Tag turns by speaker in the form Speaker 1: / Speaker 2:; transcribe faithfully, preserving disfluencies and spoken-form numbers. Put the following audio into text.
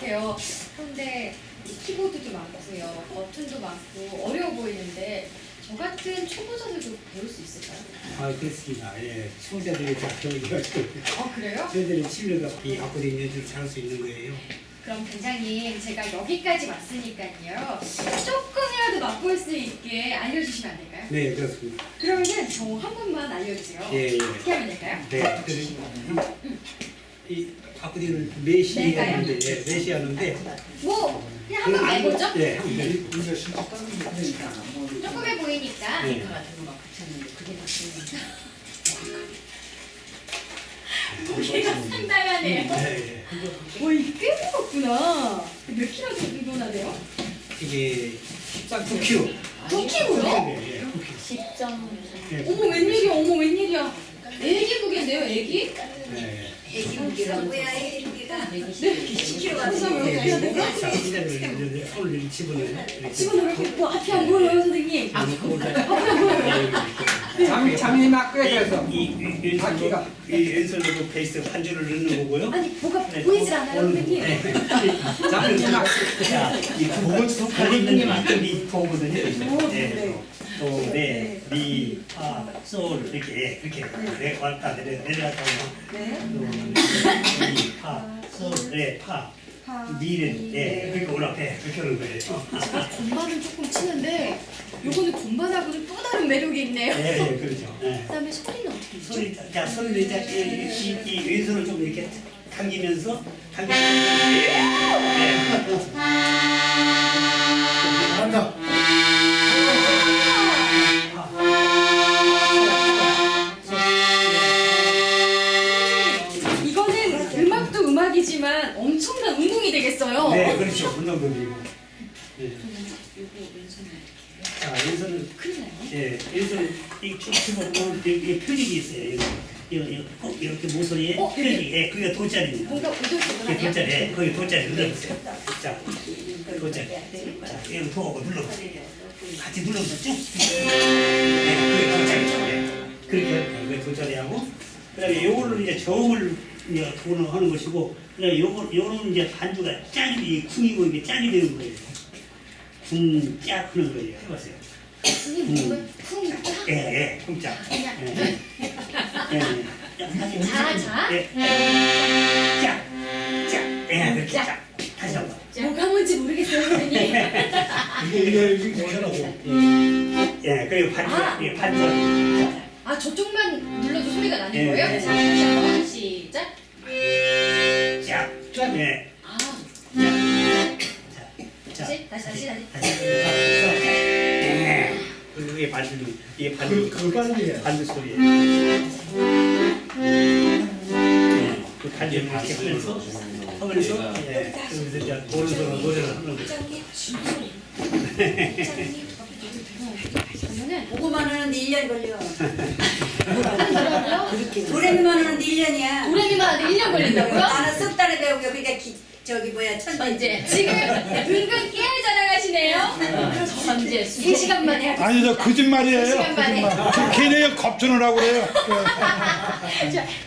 Speaker 1: 같아요. 그런데 키보드도 많고요, 버튼도 많고 어려워 보이는데 저 같은 초보자들도 배울 수 있을까요?
Speaker 2: 아, 그렇습니다. 예. 초보자들이 다 배우기가지고.
Speaker 1: 어, 그래요?
Speaker 2: 저희들은 취미가 이 아코디언 연주를 잘할 수 있는 거예요.
Speaker 1: 그럼 단장님, 제가 여기까지 왔으니까요, 조금이라도 맛볼 수 있게 알려주시면 안 될까요?
Speaker 2: 네, 그렇습니다.
Speaker 1: 그러면은 저 한 번만 알려주세요.
Speaker 2: 예, 예.
Speaker 1: 어떻게 하면 될까요?
Speaker 2: 네. 그, 이 아코디언을 네시
Speaker 1: 낼까요?
Speaker 2: 하는데, 예, 네시 하는데.
Speaker 1: 뭐 그냥 한 번 내보죠?
Speaker 2: 네, 한 번.
Speaker 1: 조금해 보이니까.
Speaker 2: 네.
Speaker 1: 무게가 상당하네요.
Speaker 2: 네,
Speaker 1: 와, 이게 꽤 무겁구나. 몇 킬로 정도나 돼요?
Speaker 2: 이게 구 킬로그램.
Speaker 1: 구 킬로그램요?
Speaker 2: 네, 예, 구 킬로그램. 네,
Speaker 1: 어머, 웬일이야, 어머, 웬일이야. 애기 무게인데요, 애기?
Speaker 2: 네.
Speaker 3: 애기 무게가 뭐야? 애기 무게가
Speaker 1: 십 킬로그램
Speaker 3: 같은
Speaker 1: 그래서 왜 어떻게 해야 되나?
Speaker 2: 자, 의자를 이제 손을 이렇게 집어넣어요. 이렇게.
Speaker 1: 집어넣어 이렇게. 뭐 앞이 안 보여요, 선생님.
Speaker 2: 아,
Speaker 4: 잠이 잠이 막 꿰서
Speaker 2: 이, 이, 이,
Speaker 4: 바퀴가.
Speaker 2: 이 왼손으로 베이스 반주를 넣는 거고요.
Speaker 1: 아니, 뭐가 보이질 않아요, 선생님.
Speaker 4: 잠이 막
Speaker 2: 자, 이 부분 속에 있는 만점이 보거든요. 네. 도, 레, 미, 파, 솔 이렇게 이렇게 내 왔다 내려 내려갔다 오면 도, 레, 미, 파, 솔, 레, 파, 미는 예 그렇게 올라가 그렇게 하는 거예요.
Speaker 1: 제가 건반은 조금 치는데 요거는 건반하고는 또 다른 매력이 있네요.
Speaker 2: 예, 예, 그렇죠. 예.
Speaker 1: 그다음에 소리는 어떻게 있죠?
Speaker 2: 소리, 자, 소리를 이제 이, 이, 이 왼손을 좀 이렇게 당기면서 당기면서 예, 예.
Speaker 5: 잘한다.
Speaker 1: 이거는 음악도 음악이지만 엄청난 운동이 되겠어요.
Speaker 2: 네, 그렇죠. 운동도 되고. 네. 자, 왼손은
Speaker 1: 큰일 나요.
Speaker 2: 예, 왼손 이쭉 집어보면 여기 표직이 있어요. 여기, 여기, 여기 꼭 이렇게 모서리에
Speaker 1: 어, 여기.
Speaker 2: 표직, 예, 그게 돗자리입니다.
Speaker 1: 뭔가
Speaker 2: 그게
Speaker 1: 우들우들하네요.
Speaker 2: 돗자리, 예, 거기 돗자리 눌러보세요. 자, 돗자리. 자, 여기 부어고 눌러보세요. 같이 눌러보세요. 쭉. 예, 그게 돗자리죠. 예. 그렇게 하는 거예요. 그게 돗자리하고. 그 다음에 요걸로 이제 저음을 이제 돈을 하는 것이고, 그 다음에 요거, 요런 이제 반주가 짝이, 이 쿵이고 이게 짝이 되는 거예요. 쿵, 짝 하는 거예요. 해보세요.
Speaker 1: 선생님, 뭔가 쿵, 짝.
Speaker 2: 예, 예, 쿵짝. 예, 예. 예, 예.
Speaker 1: 자, 자.
Speaker 2: 예. 짝, 짝. 예, 그렇게 짝. 다시 한 번.
Speaker 1: 뭐가 뭔지 모르겠어요, 선생님.
Speaker 5: 이게 이게 이게 뭐라고?
Speaker 2: 예, 그리고 반주,
Speaker 1: 아.
Speaker 2: 예, 반주.
Speaker 1: 아, 저쪽만 눌러도 소리가 나는
Speaker 2: 예,
Speaker 1: 거예요?
Speaker 2: 예.
Speaker 1: 자, 다시 한번 시작.
Speaker 2: 짝, 짝. 예.
Speaker 1: 아,
Speaker 2: 자,
Speaker 1: 다시, 다시, 다시, 다시.
Speaker 2: 다시. 예. 그리고 이게 반주, 이게 반주.
Speaker 5: 그, 그 반주예요.
Speaker 2: 반주 소리예요. 예, 그 반주를 이렇게 하면서, 하면서, 예, 그러면서 이제 오른손으로 노래를 하는 거죠.
Speaker 1: 그러면은
Speaker 3: 보고만 하는데 일 년 걸려.
Speaker 1: 뭐라고요?
Speaker 3: 도레미만 하는데 일 년이야.
Speaker 1: 도레미만 하는데 일 년 걸린다고요?
Speaker 3: 나는 석 달에 배우고 그러니까 기, 저기 뭐야 천재.
Speaker 1: 천재. 지금 은근 깨알 자랑하시네요. 천재. 세 시간 만에 하겠습니다.
Speaker 5: 아니 저 거짓말이에요.
Speaker 1: 세 시간 만에.
Speaker 5: 거짓말. 저 걔네 겁주느라고 그래요.
Speaker 1: 자,